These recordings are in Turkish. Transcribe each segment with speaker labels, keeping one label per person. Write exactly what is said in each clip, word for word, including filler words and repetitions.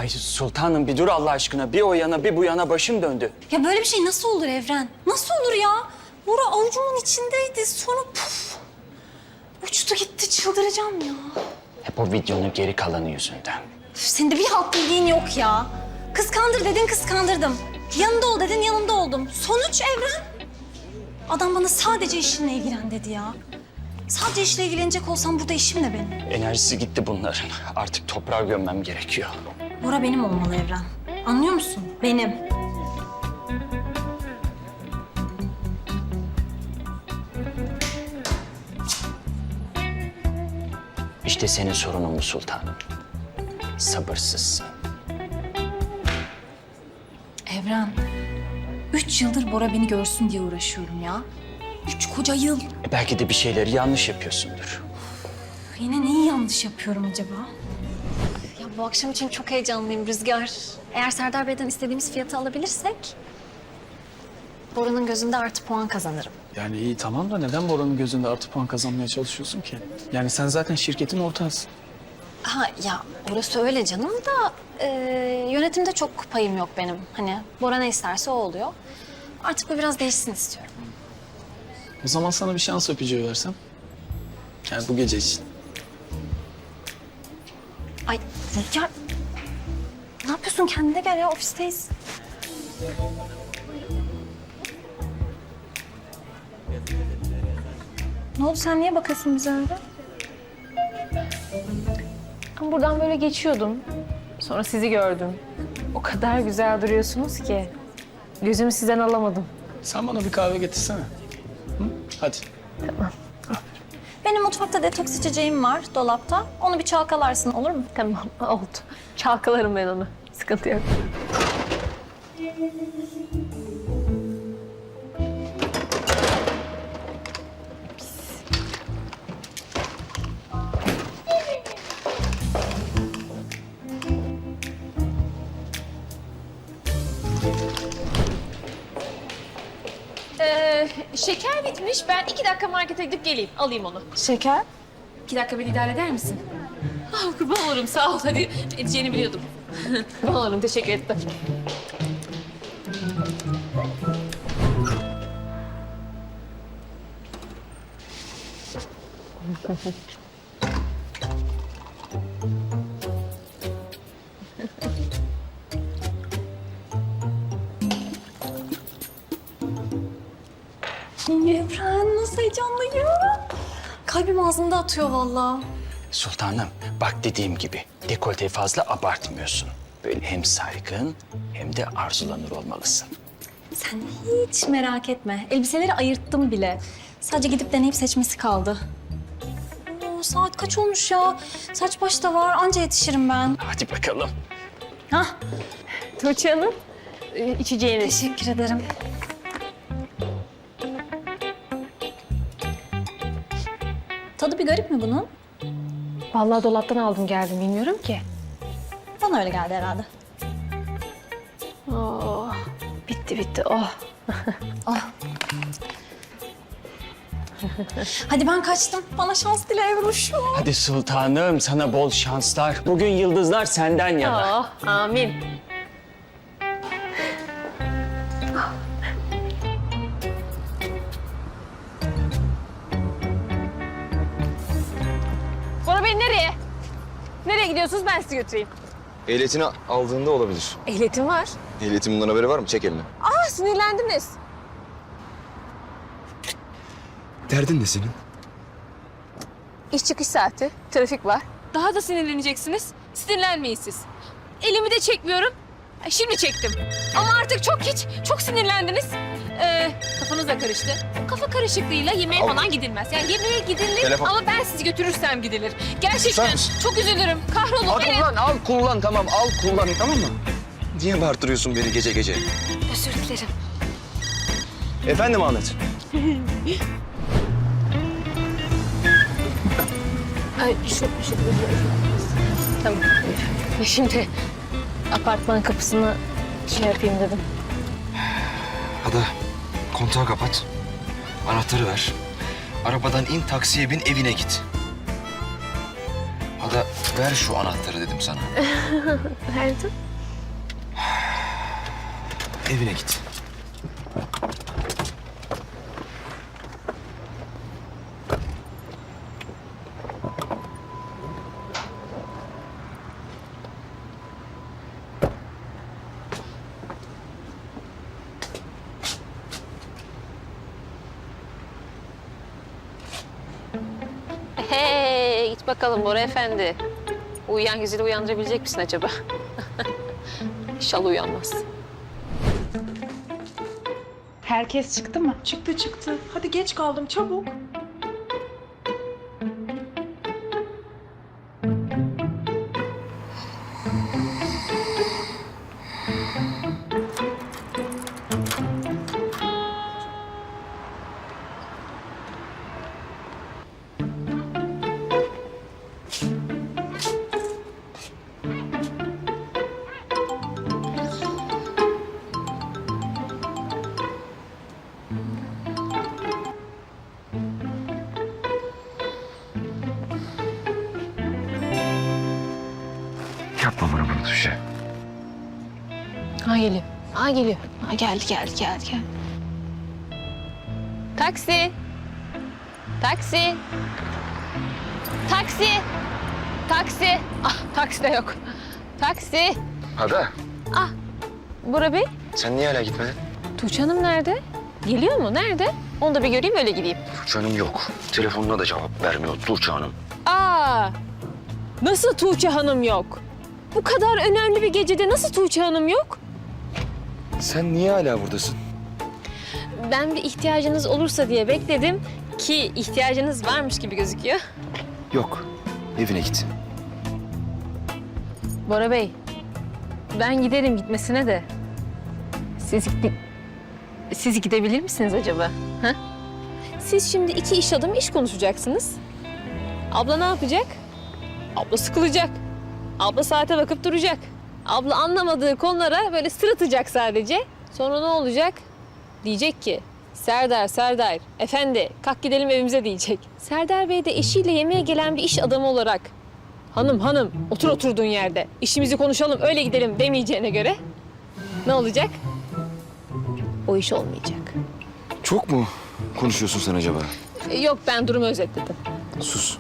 Speaker 1: Ay sultanım bir dur Allah aşkına. Bir o yana bir bu yana başım döndü.
Speaker 2: Ya böyle bir şey nasıl olur Evren? Nasıl olur ya? Bora avucumun içindeydi. Sonra puf. Uçtu gitti. Çıldıracağım ya.
Speaker 1: Hep o videonun geri kalanı yüzünden.
Speaker 2: Üf, senin de bir halt bildiğin yok ya. Kıskandır dedin kıskandırdım. Yanında ol dedin yanında oldum. Sonuç Evren. Adam bana sadece işinle ilgilen dedi ya. Sadece işle ilgilenecek olsam burada işim ne benim?
Speaker 1: Enerjisi gitti bunların. Artık toprağa gömmem gerekiyor.
Speaker 2: Bora benim olmalı Evren. Anlıyor musun? Benim.
Speaker 1: İşte senin sorunun bu sultanım. Sabırsızsın.
Speaker 2: Evren, üç yıldır Bora beni görsün diye uğraşıyorum ya. Üç koca yıl.
Speaker 1: E belki de bir şeyleri yanlış yapıyorsundur.
Speaker 2: Yine neyi yanlış yapıyorum acaba?
Speaker 3: Ya bu akşam için çok heyecanlıyım Rüzgar. Eğer Serdar Bey'den istediğimiz fiyatı alabilirsek... Bora'nın gözünde artı puan kazanırım.
Speaker 4: Yani iyi tamam da neden Bora'nın gözünde artı puan kazanmaya çalışıyorsun ki? Yani sen zaten şirketin ortağısın.
Speaker 3: Ha ya orası öyle canım da e, yönetimde çok payım yok benim. Hani Bora ne isterse o oluyor. Artık bu biraz değişsin istiyorum.
Speaker 4: O zaman sana bir şans öpücüğü versem. Yani bu gece için.
Speaker 3: Ay Rüzgar, ne yapıyorsun? Kendine gel ya, ofisteyiz.
Speaker 2: Ne oldu sen niye bakıyorsun bize öyle?
Speaker 5: Ben buradan böyle geçiyordum. Sonra sizi gördüm. O kadar güzel duruyorsunuz ki. Gözümü sizden alamadım.
Speaker 4: Sen bana bir kahve getirsene. Hı? Hadi.
Speaker 2: Benim mutfakta detoks içeceğim var dolapta. Onu bir çalkalarsın olur mu?
Speaker 5: Tamam, oldu. Çalkalarım ben onu. Sıkıntı yok. Ee, şeker bitmiş. Ben iki dakika markete gidip geleyim. Alayım onu.
Speaker 2: Şeker?
Speaker 5: İki dakika beni idare eder misin? Ah, kurban olurum. Sağ ol. Hadi edeceğini biliyordum. Kurban olurum. Teşekkür ettim.
Speaker 2: Evren nasıl heyecanlıyım. Kalbim ağzımda atıyor vallahi.
Speaker 1: Sultanım bak dediğim gibi dekolteyi fazla abartmıyorsun. Böyle hem saygın hem de arzulanır olmalısın.
Speaker 2: Sen hiç merak etme. Elbiseleri ayırttım bile. Sadece gidip deneyip seçmesi kaldı. Oo, saat kaç olmuş ya? Saç baş da var. Anca yetişirim ben.
Speaker 1: Hadi bakalım.
Speaker 2: Hah,
Speaker 5: Tuğçe Hanım, e, içeceğiniz.
Speaker 2: teşekkür ederim. Tadı bir garip mi bunun?
Speaker 5: Vallahi dolaptan aldım geldim. Bilmiyorum ki.
Speaker 2: Bana öyle geldi herhalde.
Speaker 5: Oh, bitti bitti. Oh.
Speaker 2: Hadi ben kaçtım. Bana şans dile Evruş'um.
Speaker 1: Hadi sultanım sana bol şanslar. Bugün yıldızlar senden yana.
Speaker 5: Oh, amin. Bora Bey nereye? Nereye gidiyorsunuz? Ben sizi götüreyim.
Speaker 6: Ehliyetini aldığında olabilir.
Speaker 5: Ehliyetim var.
Speaker 6: Ehliyetin bundan haberi var mı? Çek elini.
Speaker 5: Aa, sinirlendiniz.
Speaker 6: Derdin ne senin?
Speaker 5: İş çıkış saati, trafik var. Daha da sinirleneceksiniz. Sinirlenmeyin siz. Elimi de çekmiyorum. Ay, şimdi çektim. Ama artık çok hiç, çok sinirlendiniz. Ee, kafanız da karıştı. Kafa karışıklığıyla yemeğe
Speaker 6: Al.
Speaker 5: falan gidilmez. Yani yemeğe gidilir
Speaker 6: Telefon.
Speaker 5: ama ben sizi götürürsem gidilir. Gerçekten
Speaker 6: Susar mısın?
Speaker 5: çok üzülürüm. Kahrolun.
Speaker 6: Al
Speaker 5: Evet.
Speaker 6: kullan, al kullan tamam. Al kullan tamam mı? Niye bağırtırıyorsun beni gece gece?
Speaker 5: Özür dilerim.
Speaker 6: Efendim Ahmet?
Speaker 5: Ay, şu, şu, Tamam. Şimdi apartman kapısını şey yapayım dedim.
Speaker 6: Ada kontağı kapat. Anahtarı ver. Arabadan in, taksiye bin, evine git. Ada Ada ver şu anahtarı dedim sana.
Speaker 5: Verdim.
Speaker 6: Evine git.
Speaker 5: Hey, git bakalım Bora Efendi. Uyuyan güzeli uyandırabilecek misin acaba? İnşallah uyanmaz.
Speaker 7: Herkes çıktı mı?
Speaker 8: Çıktı çıktı. Hadi geç kaldım çabuk.
Speaker 6: Yapma bana bunu Tuğçe.
Speaker 5: Ha geliyor. Ha geliyor. Ha geldi geldi geldi geldi. Taksi. Taksi. Taksi. Taksi. Ah taksi de yok. Taksi.
Speaker 6: Ada
Speaker 5: Bora Bey.
Speaker 6: sen niye hala gitmedin?
Speaker 5: Tuğçe Hanım nerede? Geliyor mu? Nerede? Onu da bir göreyim öyle gideyim.
Speaker 6: Tuğçe Hanım yok. Telefonuna da cevap vermiyor Tuğçe Hanım.
Speaker 5: Aa! Nasıl Tuğçe Hanım yok? Bu kadar önemli bir gecede nasıl Tuğçe Hanım yok?
Speaker 6: Sen niye hala buradasın?
Speaker 5: Ben bir ihtiyacınız olursa diye bekledim ki ihtiyacınız varmış gibi gözüküyor.
Speaker 6: Yok. Evine git.
Speaker 5: Bora Bey, ben giderim gitmesine de. Siz, gi- siz gidebilir misiniz acaba? Ha? Siz şimdi iki iş adamı iş konuşacaksınız. Abla ne yapacak? Abla sıkılacak. Abla saate bakıp duracak. Abla anlamadığı konulara böyle sırıtacak sadece. Sonra ne olacak? Diyecek ki, Serdar, Serdar, efendi kalk gidelim evimize diyecek. Serdar Bey de eşiyle yemeğe gelen bir iş adamı olarak hanım hanım otur oturduğun yerde işimizi konuşalım öyle gidelim demeyeceğine göre ne olacak? O iş olmayacak.
Speaker 6: Çok mu konuşuyorsun sen acaba?
Speaker 5: E, Yok ben durumu özetledim.
Speaker 6: Sus.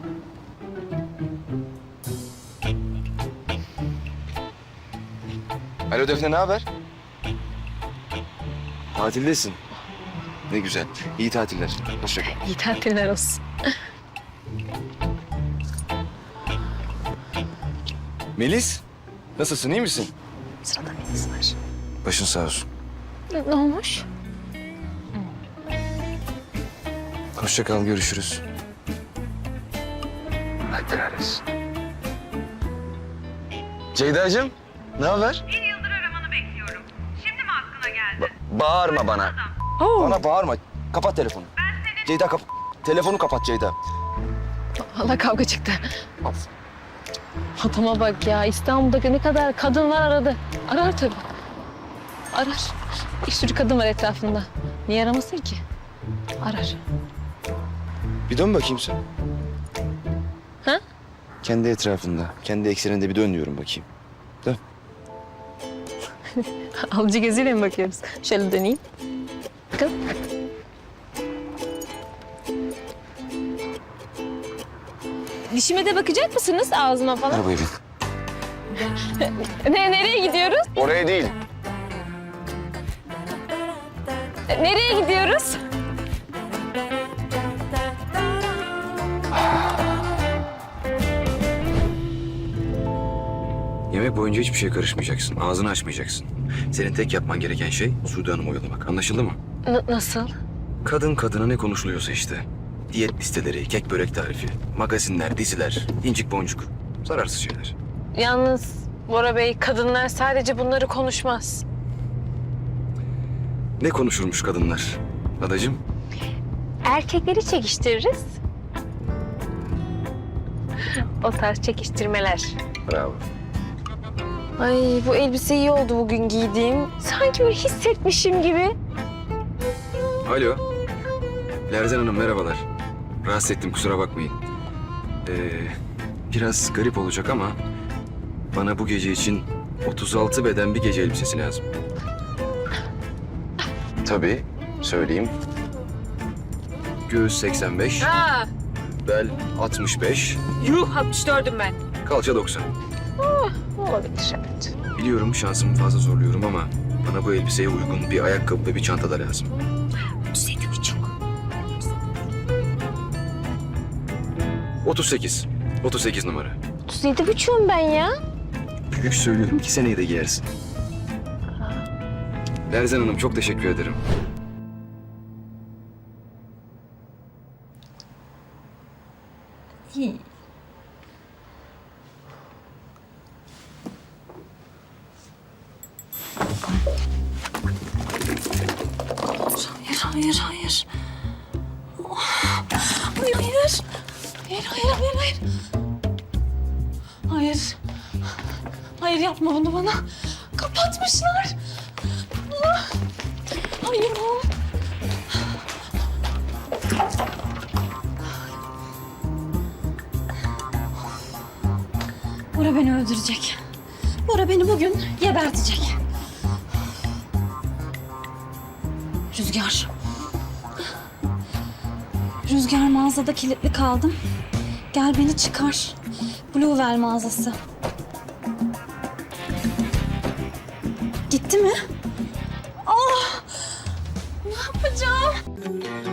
Speaker 6: Alo Defne, ne haber? Tatildesin. Ne güzel. İyi tatiller. Hoşça kal.
Speaker 5: İyi tatiller olsun.
Speaker 6: Melis, nasılsın? İyi misin?
Speaker 5: Sırada Melis var.
Speaker 6: Başın sağ olsun.
Speaker 5: Ne, ne olmuş?
Speaker 6: Hoşça kal, görüşürüz. Allah kahretsin. Ceyda'cığım, ne haber?
Speaker 9: Bir yıldır aramanı bekliyorum. Şimdi mi aklına geldi?
Speaker 6: Bağırma bana. Bana bağırma. Kapat telefonu. Ceyda kap... Telefonu kapat Ceyda.
Speaker 5: Valla kavga çıktı. Adama bak ya İstanbul'da ne kadar kadın var aradı. Arar tabii. Arar. Bir sürü kadın var etrafında. Niye aramasın ki? Arar.
Speaker 6: Bir dön bakayım sen.
Speaker 5: Ha?
Speaker 6: Kendi etrafında, kendi ekseninde bir dön diyorum bakayım. Dön.
Speaker 5: Alıcı gözüyle mi bakıyoruz? Şöyle döneyim. Bakın. Dişime de bakacak mısınız ağzıma falan?
Speaker 6: Arabaya bin.
Speaker 5: Ne, nereye gidiyoruz?
Speaker 6: Oraya değil.
Speaker 5: Nereye gidiyoruz?
Speaker 6: Yemek boyunca hiçbir şeye karışmayacaksın. Ağzını açmayacaksın. Senin tek yapman gereken şey Sude Hanım'ı oyalamak. Anlaşıldı mı?
Speaker 5: N- nasıl?
Speaker 6: Kadın kadına ne konuşuluyorsa işte. Diyet listeleri, kek börek tarifi, magazinler, diziler, incik boncuk. Zararsız şeyler.
Speaker 5: Yalnız Bora Bey kadınlar sadece bunları konuşmaz.
Speaker 6: Ne konuşurmuş kadınlar? Adacığım?
Speaker 5: Erkekleri çekiştiririz. O tarz çekiştirmeler.
Speaker 6: Bravo.
Speaker 5: Ay bu elbise iyi oldu bugün giydiğim. Sanki böyle hissetmişim gibi.
Speaker 6: Alo. Lerzen Hanım merhabalar. Rahatsız ettim kusura bakmayın. Ee, Biraz garip olacak ama bana bu gece için otuz altı beden bir gece elbisesi lazım. Tabii, söyleyeyim. Göğüs seksen beş,
Speaker 5: Ha,
Speaker 6: bel altmış beş,
Speaker 5: yuh altmış dördüm ben.
Speaker 6: kalça doksan.
Speaker 5: Olabilir evet.
Speaker 6: Biliyorum şansımı fazla zorluyorum ama bana bu elbiseye uygun bir ayakkabı ve bir çanta da lazım.
Speaker 5: otuz yedi buçuk.
Speaker 6: otuz sekiz. otuz sekiz numara.
Speaker 5: otuz yedi buçuğum ben ya.
Speaker 6: Büyük söylüyorum ki seneye de giyersin. Lerzan Hanım çok teşekkür ederim.
Speaker 2: Hayır, hayır, hayır. Oh, hayır, hayır. Hayır, hayır, hayır, hayır. Hayır. Hayır, yapma bunu bana. Kapatmışlar. Ah, hayır. Bora beni öldürecek. Bora beni bugün gebertecek. Rüzgar. Rüzgar, mağazada kilitli kaldım. Gel beni çıkar. Bluewell mağazası. Gitti mi? Ah! Ne yapacağım?